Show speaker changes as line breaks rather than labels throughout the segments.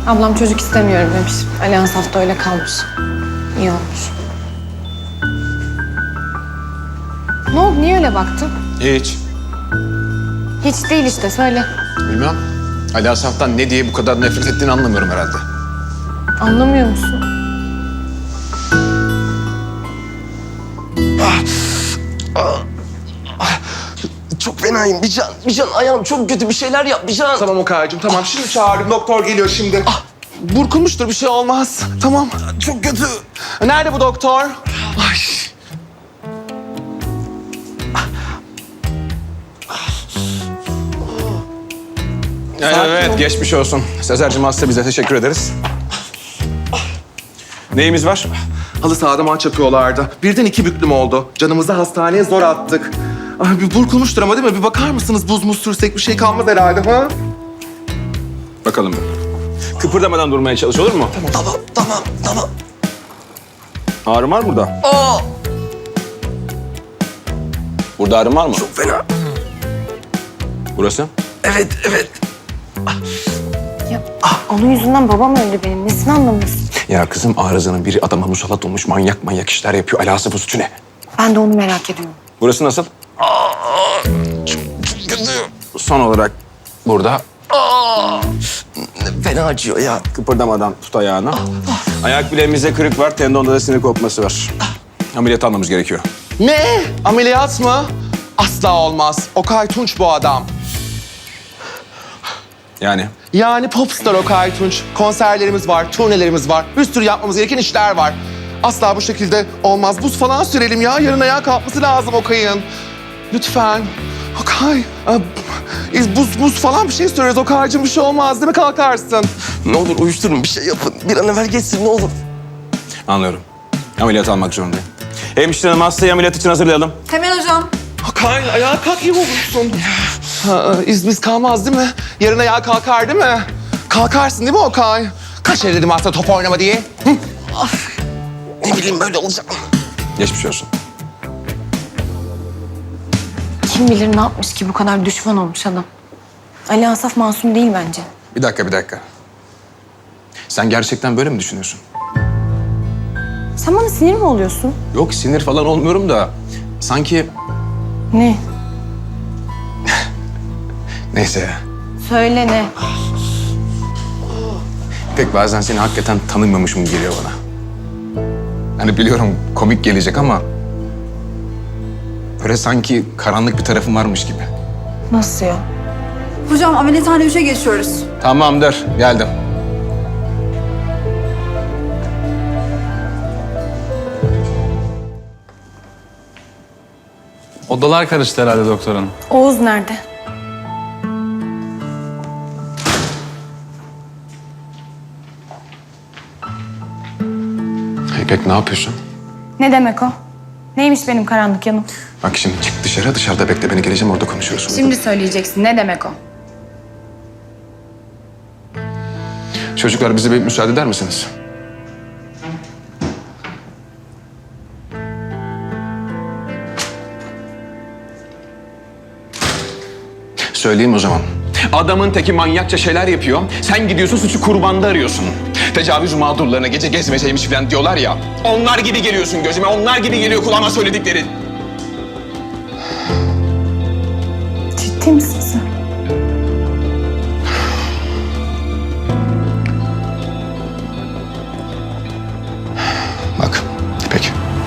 Ablam çocuk istemiyorum demiş. Allianz hafta öyle kalmış. İyi olmuş. Ne oldu? Niye öyle baktın?
Hiç.
Hiç değil işte. Söyle.
Bilmem. Ali Asaf'tan ne diye bu kadar nefret ettiğini anlamıyorum herhalde.
Anlamıyor musun?
Çok fenayım Bir can ayağım çok kötü, bir şeyler yap Bir can.
Tamam Okay'cığım tamam. Şimdi çağırdım. Doktor geliyor şimdi. Burkulmuştur, bir şey olmaz. Tamam.
Çok kötü.
Nerede bu doktor? Ay.
Evet, geçmiş olsun. Sezer'cim hasta bize teşekkür ederiz. Neyimiz var?
Halı sahada maç yapıyorlardı. Birden 2 büklüm oldu. Canımızı hastaneye zor attık. Ay, bir burkulmuştur ama değil mi? Bir bakar mısınız? Buz muz sürsek bir şey kalmaz herhalde ha?
Bakalım. Kıpırdamadan durmaya çalış, olur mu?
Tamam.
Ağrın var mı burada?
Aa,
Burada ağrın var mı?
çok fena.
Burası?
Evet.
Ya onun yüzünden babam öldü benim. Nesini anlamıyorsun?
Ya kızım arızanın biri adama musallat olmuş manyak işler yapıyor. Alası bu suçu ne?
Ben de onu merak ediyorum.
Burası nasıl?
Çok kötü.
Son olarak burada
Fena acıyor ya.
kıpırdamadan tut ayağını. Ayak bileğimizde kırık var, tendonda da sinir kopması var. Ameliyat almamız gerekiyor.
Ne? Ameliyat mı? Asla olmaz. Okay Tunç bu adam. Yani popstar Okay Tunç. Konserlerimiz var, turnelerimiz var. Bir sürü yapmamız gereken işler var. Asla bu şekilde olmaz. Buz falan sürelim ya. Yarın ayağa kalkması lazım Okay'ın. Lütfen. Okay. Buz falan bir şey süreriz Okay'cığım. Bir şey olmaz değil mi? Kalkarsın.
Ne olur uyuşturun, bir şey yapın. Bir an evvel geçsin ne olur.
Anlıyorum. Ameliyat almak zorundayım. Hemşire hanım hastayı ameliyat için hazırlayalım.
Hemen hocam.
Okay ayağa kalk iyi olursun. İz kalmaz değil mi? Yarın ayağa kalkar değil mi? Kalkarsın değil mi Okay? Kaç kere dedim hasta top oynama diye? Hı?
Ne bileyim böyle olacak.
Geçmiş olsun.
Kim bilir ne yapmış ki bu kadar düşman olmuş adam. Ali Asaf masum değil bence.
Bir dakika. Sen gerçekten böyle mi düşünüyorsun?
Sen bana sinir mi oluyorsun?
Yok sinir falan olmuyorum da sanki...
Ne?
Neyse ya.
Söyle ne?
Pek bazen seni hakikaten tanımamışım geliyor bana. Hani biliyorum komik gelecek ama... Böyle sanki karanlık bir tarafım varmış gibi.
Nasıl ya?
Hocam ameliyathane 3'e geçiyoruz.
Tamamdır, geldim.
Odalar karıştı herhalde doktor hanım.
Oğuz nerede?
İpek ne yapıyorsun?
Ne demek o? Neymiş benim karanlık yanım?
Bak şimdi çık dışarıda bekle beni, geleceğim orada konuşuyoruz.
Şimdi söyleyeceksin. Ne demek o?
Çocuklar bize bir müsaade eder misiniz? Söyleyeyim o zaman. Adamın teki manyakça şeyler yapıyor. Sen gidiyorsun suçu kurbanda arıyorsun. Tecavüz mağdurlarına gece gezmeceymiş falan diyorlar ya. Onlar gibi geliyorsun gözüme, onlar gibi geliyor kulağıma söylediklerin.
Ciddi misin sen?
Bak İpek.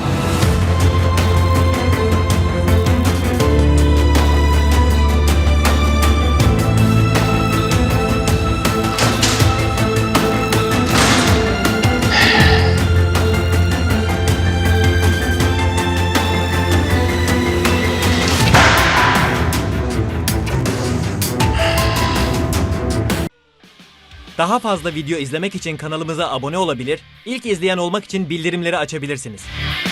Daha fazla video izlemek için kanalımıza abone olabilir, ilk izleyen olmak için bildirimleri açabilirsiniz.